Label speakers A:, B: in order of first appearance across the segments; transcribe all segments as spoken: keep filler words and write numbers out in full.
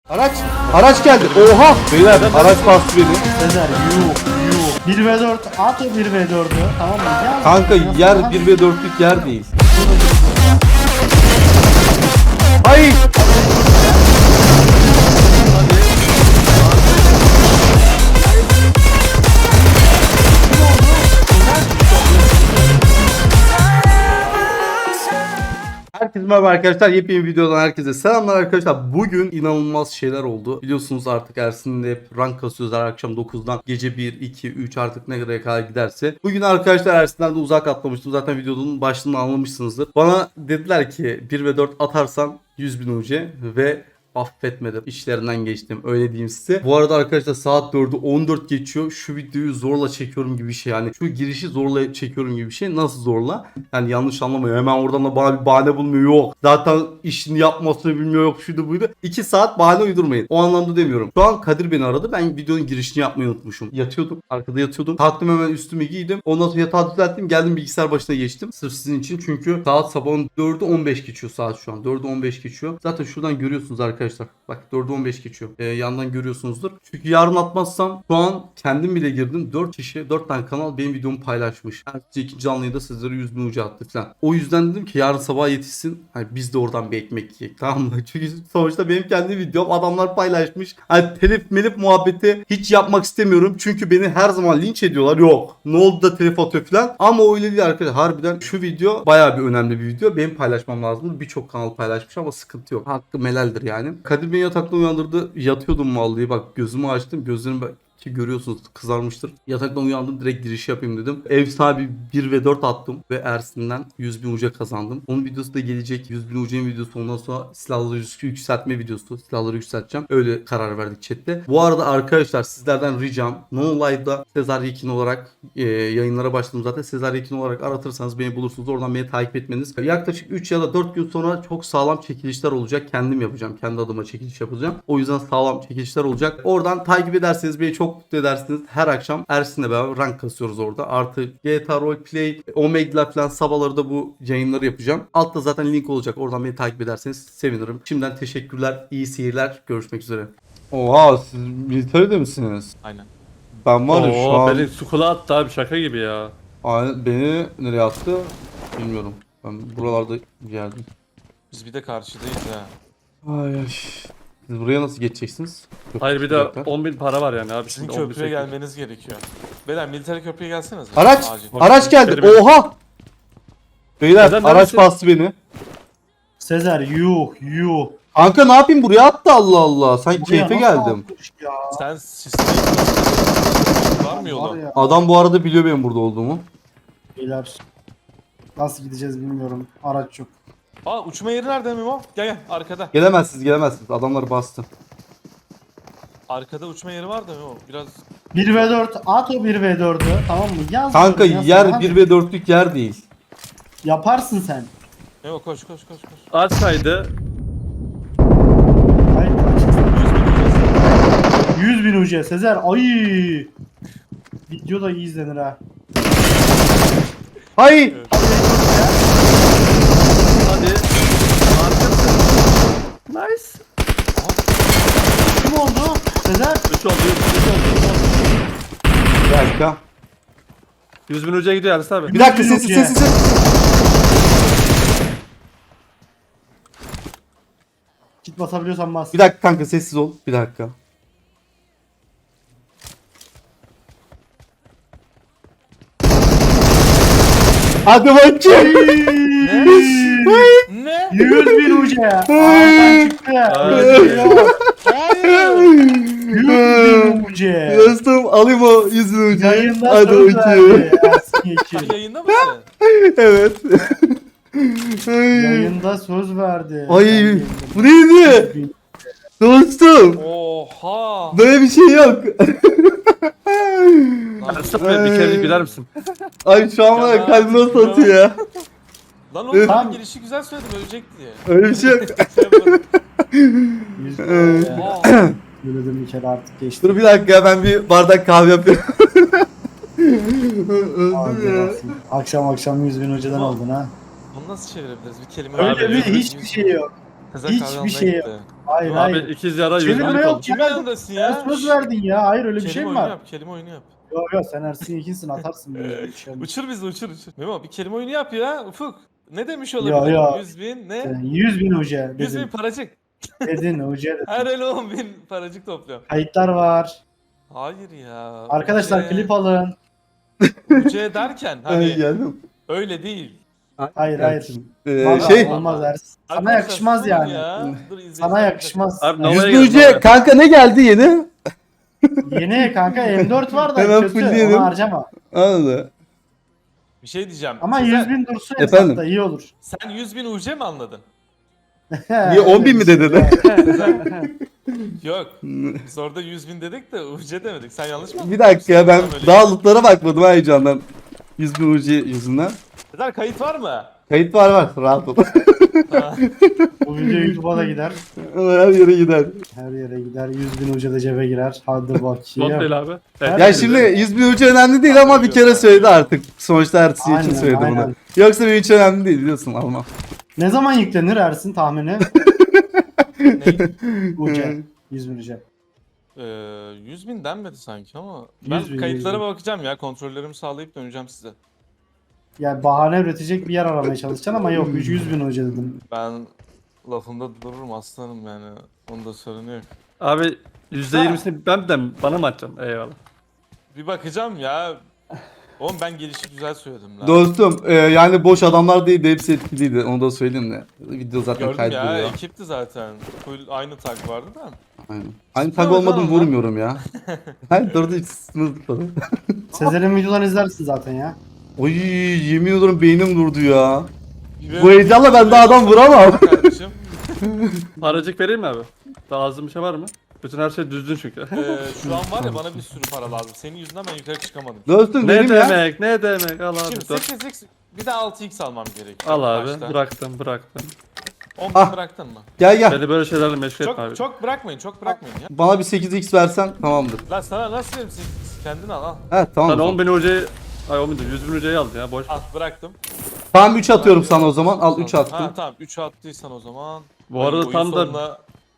A: Araç, araç geldi. Oha! Beyler araç bastı beni.
B: Sezer yuh yuh. bir ve dört at o bir ve dördü tamam mı? Gel.
A: Kanka yer bir ve dörtlük yer değil. Ay! Herkese merhaba arkadaşlar. Yepyeni videodan herkese selamlar arkadaşlar. Bugün inanılmaz şeyler oldu. Biliyorsunuz artık Ersin'le hep rank kasıyoruz her akşam dokuzdan. Gece bir, iki, üç artık ne kadar kadar giderse. Bugün arkadaşlar Ersin'den de uzak atlamıştım. Zaten videonun başlığını anlamışsınızdır. Bana dediler ki bir ve dört atarsan yüz bin U C ve affetmedim. İşlerinden geçtim. Öyle diyeyim size. Bu arada arkadaşlar saat dördü on dört geçiyor. Şu videoyu zorla çekiyorum gibi bir şey. Yani şu girişi zorla çekiyorum gibi bir şey. Nasıl zorla? Yani yanlış anlamayın. Hemen oradan da bana bir bahane bulmuyor. Yok. Zaten işini yapmasını bilmiyor. Yok şuydu buydu. iki saat bahane uydurmayın. O anlamda demiyorum. Şu an Kadir beni aradı. Ben videonun girişini yapmayı unutmuşum. Yatıyordum. Arkada yatıyordum. Kalktım hemen üstümü giydim. Ondan sonra yatağı düzelttim. Geldim bilgisayar başına geçtim. Sırf sizin için. Çünkü saat sabahın dördü on beş geçiyor saat şu an. dördü on beş geçiyor. Zaten şuradan görüyorsunuz arkadaşlar. Arkadaşlar bak dördü on beş geçiyor. Ee, yandan görüyorsunuzdur. Çünkü yarın atmazsam şu an kendim bile girdim. dört kişi dört tane kanal benim videomu paylaşmış. Ertesi ikinci canlıyı da sizlere yüz bin ucu attı falan. O yüzden dedim ki yarın sabah yetişsin. Hani biz de oradan bir ekmek yiyek, tamam mı? Çünkü sonuçta benim kendi videom adamlar paylaşmış. Hani telif melif muhabbeti hiç yapmak istemiyorum. Çünkü beni her zaman linç ediyorlar. Yok. Ne oldu da telif atıyor falan. Ama öyle değil arkadaşlar. Harbiden şu video bayağı bir önemli bir video. Benim paylaşmam lazım. Birçok kanal paylaşmış ama sıkıntı yok. Hakkım helaldir yani. Kadir beni yatakta uyandırdı. Yatıyordum vallahi bak gözümü açtım. Gözlerim ki görüyorsunuz kızarmıştır. Yataktan uyandım direkt giriş yapayım dedim. Ev sahibi bir ve dört attım ve Ersin'den yüz bin uca kazandım. Onun videosu da gelecek. yüz bin uca'nın videosu ondan sonra silahları yükseltme videosu. Silahları yükselteceğim. Öyle karar verdik chatte. Bu arada arkadaşlar sizlerden ricam No Live'da Sezer Yekin olarak e, yayınlara başladım zaten. Sezer Yekin olarak aratırsanız beni bulursunuz. Oradan beni takip etmeniz. Yaklaşık üç ya da dört gün sonra çok sağlam çekilişler olacak. Kendim yapacağım. Kendi adıma çekiliş yapacağım. O yüzden sağlam çekilişler olacak. Oradan takip ederseniz beni çok mutlu edersiniz. Her akşam Ersin'le beraber rank kasıyoruz orada. Artı G T A Roleplay, Omega'lar falan sabahları da bu yayınları yapacağım. Altta zaten link olacak. Oradan beni takip ederseniz sevinirim. Şimdiden teşekkürler. İyi seyirler. Görüşmek üzere. Oha siz militeride misiniz?
C: Aynen.
A: Ben var ya şu
D: Oo,
A: an...
D: beni sukula attı abi şaka gibi ya.
A: Aynen, beni nereye attı bilmiyorum. Ben buralarda bir yerdeyim.
C: Biz bir de karşıdayız ha.
A: Ay ay. Siz buraya nasıl geçeceksiniz? Köprü
D: Hayır bir de
A: çıkacaklar.
D: on bin para var yani abi.
C: Sizin
D: Şimdi on bin
C: köprüye
D: sekiz.
C: gelmeniz gerekiyor. Beyler militer köprüye gelseniz.
A: Araç!
C: Acil.
A: Araç geldi.
D: Benim-
A: Oha! Beyler
D: Neden,
A: araç
D: neredesin?
A: bastı beni.
B: Sezer yuh yuh.
A: Kanka ne yapayım buraya attı Allah Allah. Sanki
B: Buraya
A: keyfe
B: nasıl
A: geldim.
B: atmış ya?
C: Sen sistemi var mı
B: Var
C: yolu?
B: ya.
A: Adam bu arada biliyor benim burada olduğumu.
B: Beyler. Nasıl gideceğiz bilmiyorum. Araç yok.
C: Aa uçma yeri nerede Mimo? Gel gel arkada.
A: Gelemezsiniz gelemezsiniz. Adamlar bastı.
C: Arkada uçma yeri var da Mimo. Biraz
B: bir ve dört at o bir ve dördü tamam mı? Yaz.
A: Kanka
B: yaz,
A: yer
B: hadi.
A: bir ve dörtlük yer değil.
B: Yaparsın sen.
C: Mimo koş koş koş koş.
D: Açsaydı
B: Hayır.
C: yüz bin ucuz.
B: yüz bin U C Sezer. Ay. Video da iyi izlenir ha.
A: Hay!
D: hadi. Arkasın. Nice.
B: Kim oldu? Sezer.
D: üç oldu üç oldu.
A: Bir dakika.
D: yüz bin ucuya gidiyor Ersin abi.
A: Bir dakika
B: Yok
A: sessiz
B: ya.
A: sessiz sessiz.
B: Git basabiliyorsan bas.
A: Bir dakika kanka sessiz ol. Bir dakika. Hadi bakayım.
C: Ne?
B: yüz bin U C. Ağzından çıktı.
D: Hayır.
B: Yok.
C: Hayır.
B: yüz bin U C.
A: Dostum alayım o yüzünü ucu.
B: Yayında
A: Hadi
B: söz
A: bakayım.
B: verdi Ersin Yekin.
C: Sen yayında mısın?
A: Evet.
B: Yayında söz verdi.
A: Ay bu neydi?
B: Bin-
A: Dostum.
C: Oha.
A: Böyle bir şey yok.
C: Lan,
D: Ersin abi bir kere güler misin?
A: Ay şu an var ya
C: Ya,
A: kalbim nasıl
C: ya.
A: atıyor ya.
C: lan oğlum
B: Tamam.
C: ben girişi güzel söyledim ölecek diye.
A: Öyle bir şey yok.
C: Şey yapmadım.
B: Yüz bin U C.
C: Oha.
B: Söyledim bir kere artık geçti.
A: Dur bir dakika ben bir bardak kahve yapıyorum.
B: Hadi
A: Öldüm ya.
B: olsun. Akşam akşam yüz bin U C'den oldun ha.
C: Bunu nasıl çevirebiliriz? Bir kelime
B: Öyle
D: Abi,
B: bir
C: yüz bin-
B: hiçbir şey yok.
C: Sezer
B: Hiçbir
C: kahve almaya
B: şey yok.
C: gitti.
B: Hayır
D: Abi
B: hayır.
D: ikiz yara yüz
B: Çevirme
D: bin
B: yok.
D: oldu.
C: Kimin yanındasın
B: Sen
C: ya?
B: söz verdin ya. Hayır öyle bir
C: Kelime
B: şey mi
C: oyunu
B: var?
C: yap, kelime oyunu yap.
B: Yok yok sen Ersin ikisin atarsın böyle bir şey.
C: Uçur bizi uçur uçur. Memo bir kelime oyunu yap ya Ufuk. Ne demiş
B: Ya,
C: olabilir?
B: ya.
C: yüz bin ne?
B: Sen yüz bin hoca
C: yüz bin
B: dedin.
C: paracık.
B: Dedin hoca dedin.
C: Her el on bin paracık topluyorum.
B: Kayıtlar var.
C: Hayır ya.
B: Arkadaşlar
C: Uce-
B: klip alın.
C: Uce derken
A: Ay,
C: hani
A: geldim.
C: öyle değil.
B: Hayır hayır.
A: Ee,
B: Vallahi
A: şey
B: olmaz Ersin. Sana
C: Arkadaşlar,
B: yakışmaz
C: susun
B: yani.
C: ya. Dur, izleyin.
B: Sana yakışmaz.
D: Abi
B: Yani
D: Nova'ya
A: yüz
D: gelin,
A: bin
D: Nova'ya.
A: kanka ne geldi yeni?
B: Yeni kanka M dört var da
A: Hemen
B: kötü.
A: fullleyelim.
B: Onu harcama.
A: Anladı.
C: Bir şey diyeceğim.
B: Ama
C: Sezer,
B: yüz bin dursun
A: Efendim?
B: hesapta iyi olur.
C: Sen yüz bin Uce mi anladın?
A: Niye on bin mi dedin?
C: Yok. Biz orada yüz bin dedik de Uce demedik. Sen yanlış mı anladın?
A: Bir dakika ya ben
C: Tamam, öyle.
A: daha lootlara bakmadım ha heyecandan. yüz bin ucu yüzünden.
C: Sezer kayıt var mı?
A: Kayıt var var rahat ol.
C: Ha.
B: Bu video YouTube'a da gider.
A: Her yere gider.
B: Her yere gider. yüz bin hoca da cebe girer. Hadi
D: Not
B: bakayım.
D: değil abi. Evet,
A: Ya
D: evet.
A: şimdi yüz bin ucu önemli değil ama bir kere söyledi artık. Sonuçta ertesi için
B: Aynen,
A: söyledi bunu.
B: aynen.
A: Yoksa benim için önemli değil biliyorsun almam.
B: Ne zaman yüklenir Ersin tahmini?
C: Ne?
B: Uca. yüz bin hoca.
C: Ee, yüz bin denmedi sanki ama ben
B: yüz bin,
C: kayıtlara
B: yüz bin.
C: bakacağım ya, kontrollerimi sağlayıp döneceğim size.
B: Yani bahane üretecek bir yer aramaya çalışacaksın ama yok yüz bin hoca dedim.
C: Ben lafımda dururum aslanım yani, onda sorun yok.
D: Abi yüzde yirmisini ben de bana mı atacaksın? Eyvallah.
C: Bir bakacağım ya. Oğlum ben gelişi güzel söyledim lan.
A: Dostum e, yani boş adamlar değil de hepsi etkiliydi onu da söyleyeyim de. Video zaten
C: Gördüm
A: kaydediyor.
C: ya,
A: Ya.
C: ekipti zaten. Full aynı tag vardı da.
A: Aynen. Aynı
C: Sıkma
A: tag olmadım
C: hocam
A: vurmuyorum ya. Hayır durdu hiç sınırlı.
B: Sezer'in videolarını izlersin zaten ya.
A: Oy yemin ediyorum beynim durdu ya.
C: Ve-
A: Bu heyecanla ben daha adam vuramam.
C: Kardeşim.
D: Paracık vereyim mi abi? Daha az bir şey var mı? Bütün her şey düzgün çünkü.
C: Ee, şu an var ya, bana bir sürü para lazım. Senin yüzünden ben yukarı çıkamadım.
A: Dostum
D: ne
A: benim ya.
D: demek? Ne demek? Al abi.
C: Şimdi
D: Dört.
C: sekiz x bir de altı x almam gerekiyor.
D: Al abi.
C: başta.
D: Bıraktım, bıraktım.
C: on bin
A: Ah.
C: bıraktın mı?
A: Gel gel.
D: Beni böyle şeylerle meşgul etme
C: Çok
D: abi.
C: çok bırakmayın, çok bırakmayın ya.
A: Bana bir sekiz x versen tamamdır.
C: Lan sana nasıl vereyim, sekiz x? Kendin al al.
A: He tamam.
D: Sen
A: o
D: on
A: zaman.
D: bin hocayı... Ay on bin değil, yüz bin hocayı aldın ya boş.
C: Al bıraktım.
A: Tamam üç atıyorum sana o zaman. Al üç
C: Ha
A: attım.
C: tamam, üç attıysan o zaman.
D: Bu arada
C: Oyun
D: tam da
C: sonuna-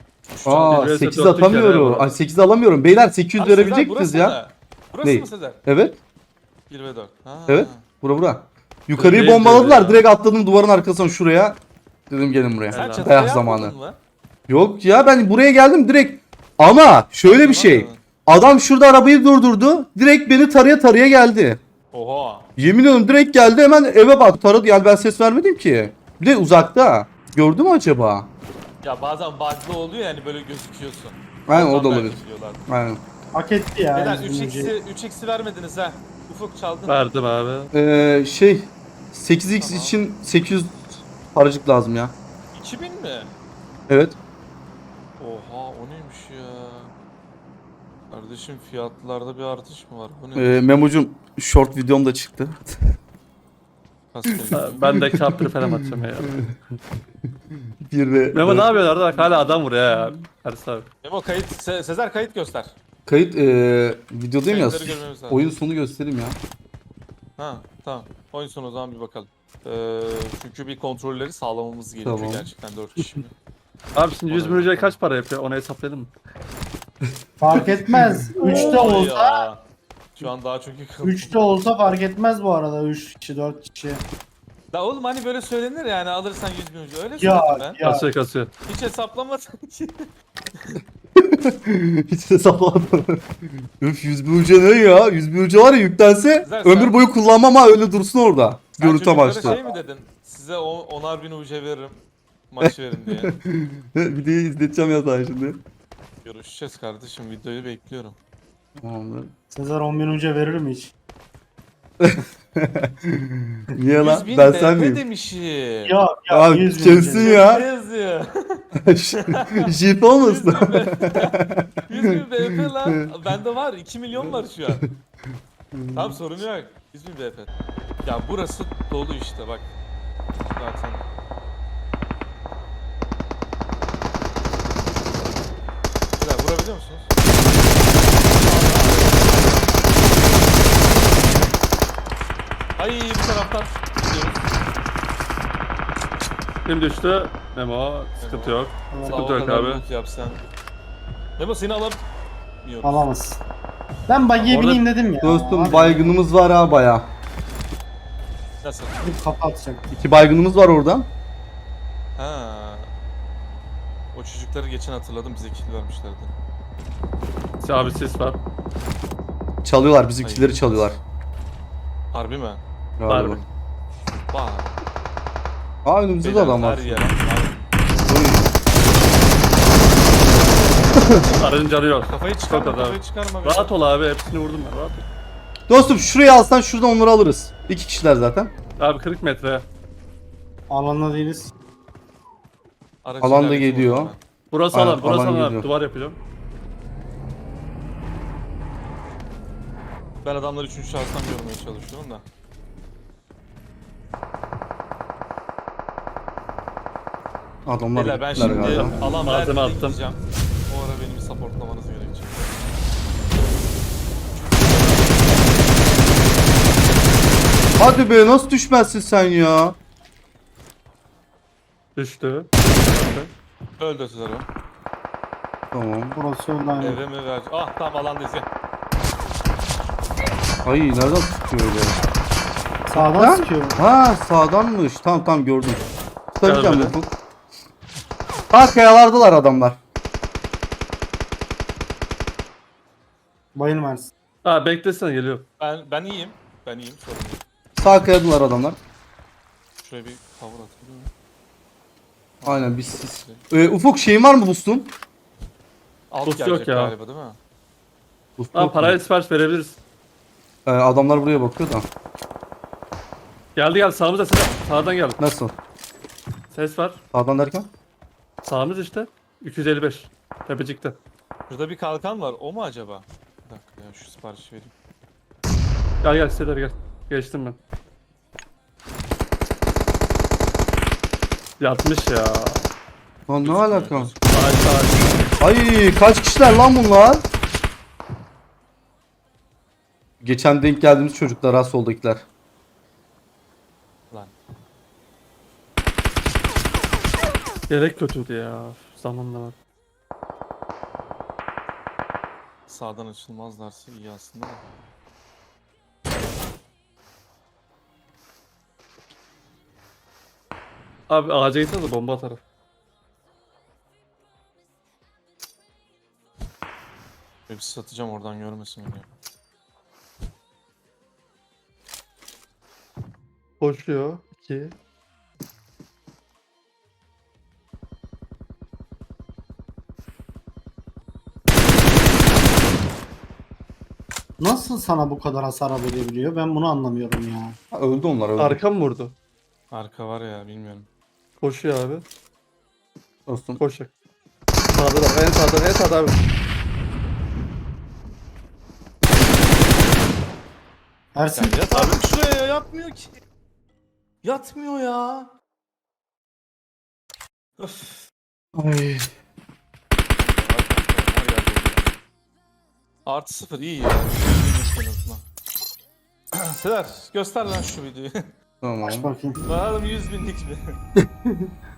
A: Aa
D: Bir vs
A: sekiz
D: dörtlük
A: atamıyorum.
D: yer
A: Ay sekiz alamıyorum. Beyler sekiz yüz
C: Abi Sezer,
A: verebilecek
C: burası
A: misiniz ya?
C: mı? Burası
A: Ney?
C: mı Sezer?
A: Evet.
C: bir ve dört. Ha.
A: Evet. Bura bura. Yukarıyı
D: Değil
A: bombaladılar.
D: ya.
A: Direkt atladım duvarın arkasına şuraya. Dedim gelin buraya.
C: Sen
D: Helal.
C: çatıya
A: Dayak zamanı.
C: yapmadın mı?
A: Yok ya ben buraya geldim direkt. Ama şöyle bir şey. Adam şurada arabayı durdurdu. Direkt beni taraya taraya geldi.
C: Oha.
A: Yemin ediyorum direkt geldi hemen eve bak taradı. Yani ben ses vermedim ki. Bir de uzakta. Gördü mü acaba?
C: Ya bazen bug'lı oluyor yani, böyle gözüküyorsun.
A: Aynen o
C: Ondan
A: da
C: belki
A: olabilir.
C: diyorlar.
A: Aynen.
B: Hak etti ya.
C: Beyler
B: yüz bin
C: üç
B: hocayı.
C: x'i üç x'i vermediniz ha. Ufuk çaldın.
D: Verdim abi.
A: Ee, şey sekiz x
C: Tamam.
A: için sekiz yüz paracık lazım ya.
C: iki bin mi?
A: Evet.
C: Oha, o neymiş ya? Kardeşim fiyatlarda bir artış mı var? Bu ne?
A: Ee, Memo'cum short videom da çıktı.
C: Kaskayı.
D: Ha, Ben de kaptır falan atacağım ya.
A: Bir ve
D: Memo ne yapıyorlar da bak hala adam vuruyor ya. Ersin abi.
C: Memo kayıt, Se- Sezer kayıt göster.
A: Kayıt ee, videodayım ya.
C: Kayıtları görmemiz lazım.
A: Oyun sonu göstereyim ya.
C: Ha tamam. Oyun sonu o zaman bir bakalım. Ee, çünkü bir kontrolleri sağlamamız gerekiyor
A: Tamam.
C: gerçekten dört kişi.
D: Abi şimdi yüz bin hocaya kaç para yapıyor? Onu hesaplayalım mı?
B: Fark etmez. üçte
C: Oy
B: olsa,
C: ya. Şu an daha çok yıkıldım.
B: üçte olsa fark etmez bu arada. üç kişi, dört kişi.
C: Da oğlum hani böyle söylenir yani, alırsan yüz bin ucu. Öyle
B: Ya,
C: söyledim ben.
B: ya.
D: Kasıyor kasıyor.
C: Hiç hesaplamadım ki.
A: Hiç hesaplamadım. Üf yüz bin uca ne ya? yüz bin uca var ya yüklense
C: Güzel, sen-
A: ömür boyu kullanmam ha öyle dursun orada.
C: Sen
A: Görüntü
C: çocuklara
A: amaçlı.
C: şey mi dedin? Size on, onar bin ucu veririm. Maç verin diye.
A: Videoyu izleteceğim ya sana şimdi.
C: Görüşeceğiz kardeşim. Videoyu bekliyorum.
A: Tamamdır.
B: Sezer on bin hoca verir mi hiç?
A: Niye lan?
C: yüz bin
A: Ben
C: B
A: sen
C: P
A: miyim?
C: demişim.
B: Ya ya
A: Abi
B: yüz bin
A: kesin
B: hoca.
A: ya.
C: Ne yazıyor?
A: Jip
C: yüz
A: olmasın?
C: bin B P. yüz bin B P lan. Bende var. iki milyon var şu an. Tamam sorun yok. yüz bin B P. Ya burası dolu işte bak. Zaten. Güzel, vurabiliyor musunuz? Ay bu taraftan gidiyoruz.
D: Kim düştü? Memo sıkıntı yok.
C: Sağ ol,
D: Sıkıntı
C: o
D: yok
C: kadar
D: abi.
C: loot yap sen. Memo seni alamıyoruz.
B: Alamaz. Ben buggy'e
D: Orada-
B: bineyim dedim ya.
A: Dostum
B: Abi,
A: baygınımız var ha baya.
C: Nasıl?
B: gidip kafa atacak.
A: İki baygınımız var oradan.
C: Ha. O çocukları geçen hatırladım, bize kill vermişlerdi.
D: Abi sis var.
A: Çalıyorlar bizimkileri çalıyorlar.
C: Harbi mi?
A: Galiba.
D: Harbi.
C: Vay.
A: Aa önümüzde de
C: Beyler,
A: adam var.
C: her yer.
D: Aracın canı yok.
C: Kafayı çıkarma,
D: Çok az
C: kafayı
D: abi.
C: çıkarma.
D: Rahat ol abi, hepsini vurdum ben, rahat ol.
A: Dostum şurayı alsan şuradan onları alırız. İki kişiler zaten.
D: Abi kırk metre.
B: Alanda değiliz.
C: Aracı
A: Alan da
C: ilerletin
A: geliyor.
C: o zaman.
D: Burası
A: Aynen,
D: alan, burası
A: alan
D: alan.
A: geliyor.
D: Duvar yapacağım.
C: Ben adamları üçüncü şahıstan görmeye çalışıyorum da.
A: Adamlar
C: Beyler ben
A: gittiler
C: şimdi
A: galiba.
C: alan
D: Malzeme
C: verdiğinde
D: attım.
C: gideceğim. O ara benim supportlamanız gerekecek.
A: Hadi be nasıl düşmezsin sen ya?
D: Düştü.
C: Öldü Sezar'ı.
A: Tamam.
B: Burası öyle aynı.
C: Eve mi ver? Ah tamam alandayız gel.
A: Ay nereden tutuyor öyle?
B: Sağdan
A: Ha?
B: sıkıyor.
A: Ha sağdanmış. Tamam tamam gördüm. Tutacağım
D: Gel
A: bu. Ha kayalardılar adamlar.
B: Bayın versin.
D: Ha beklesene, geliyor.
C: Ben ben iyiyim. Ben iyiyim sorun yok.
A: Sağ kayadılar adamlar.
C: Şuraya bir cover atayım.
A: Aynen biz siz. Ee, Ufuk şeyin var mı boost'un?
C: Alt
D: Boost yok
C: gelecek
D: ya.
C: galiba değil mi?
A: Boost
D: Ha
A: yok mu?
D: parayla sipariş verebiliriz.
A: Ee, adamlar buraya bakıyor da.
D: Geldi geldi, sağımıza ses. Sağdan geldi.
A: Nasıl?
D: Ses var.
A: Sağdan derken?
D: Sağımız işte. iki yüz elli beş. Tepecikte.
C: Şurada bir kalkan var. O mu acaba? Bir dakika ya şu siparişi vereyim.
D: Gel gel siteler gel. Geçtim ben. Yatmış ya.
A: Lan ne
C: Gözükmüyor,
A: alaka?
C: gözükmüyor.
D: Ay ay.
A: Ay kaç kişiler lan bunlar? Geçen denk geldiğimiz çocuklar ha soldakiler.
C: Lan.
D: Gerek kötüydü ya. Zamanla bak.
C: Sağdan açılmazlarsa iyi aslında da.
D: Abi ağaca gitsene de bomba atarım.
C: Bir satacağım oradan görmesin beni.
D: Koşuyor. iki.
B: Nasıl sana bu kadar hasar verebiliyor? Ben bunu anlamıyorum ya.
A: Ha, öldü onlar öldü.
D: Arka mı vurdu?
C: Arka var ya bilmiyorum.
D: Koşuyor abi.
A: Dostum.
D: Koşacak. Sağda da, en sağda, en sağda abi.
B: Ersin.
C: Ya yat abi şuraya ya, yatmıyor ki. Yatmıyor ya. Öf.
A: Ay.
C: Artı sıfır iyi ya. En azından. Sever göster lan şu videoyu.
A: Tamam.
B: Aç bakayım.
C: Bakalım yüz binlik mi?